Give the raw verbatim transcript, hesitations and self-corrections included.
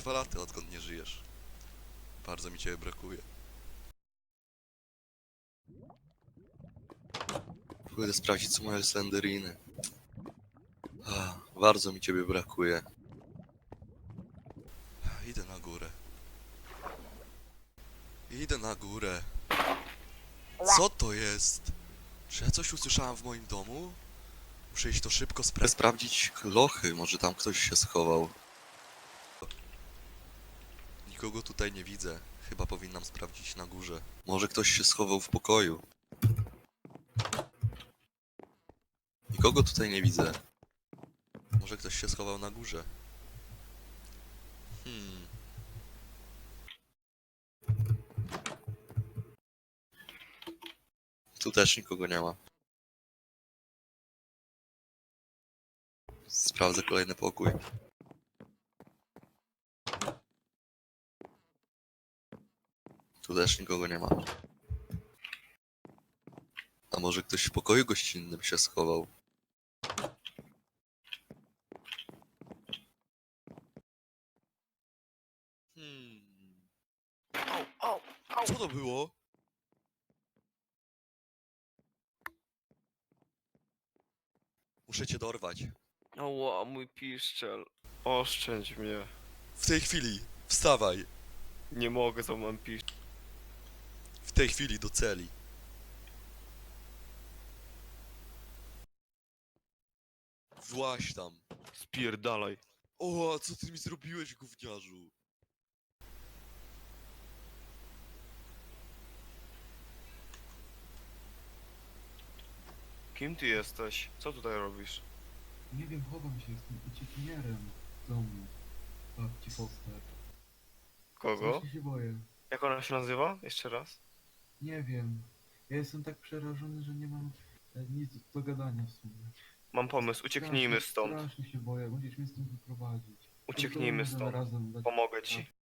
dwa lata, odkąd nie żyjesz. Bardzo mi ciebie brakuje. Pójdę sprawdzić, co mają slenderiny. Ah, bardzo mi ciebie brakuje. Idę na górę. Idę na górę. Co to jest? Czy ja coś usłyszałem w moim domu? Muszę iść to szybko spra sprawdzić lochy, może tam ktoś się schował. Nikogo tutaj nie widzę. Chyba powinnam sprawdzić na górze. Może ktoś się schował w pokoju. Nikogo tutaj nie widzę. Może ktoś się schował na górze. Hmm. Tu też nikogo nie ma. Sprawdzę kolejny pokój. Tu też nikogo nie ma. A może ktoś w pokoju gościnnym się schował? Hmm. Au, au, au. Co to było? Muszę cię dorwać. Oła, mój piszczel. Oszczędź mnie. W tej chwili. Wstawaj. Nie mogę, to mam piszczel. W tej chwili do celi. Właź tam. Spierdalaj. O, a co ty mi zrobiłeś, gówniarzu? Kim ty jesteś? Co tutaj robisz? Nie wiem, chowam się, jestem uciekinierem z domu babci Foster. Kogo? Strasznie się boję. Jak ona się nazywa? Jeszcze raz? Nie wiem. Ja jestem tak przerażony, że nie mam e, nic do gadania w sumie. Mam pomysł, ucieknijmy Strasznie- stąd. Strasznie się boję, musisz mnie stąd wyprowadzić. Ucieknijmy Możemy stąd. razem dać Pomogę ci.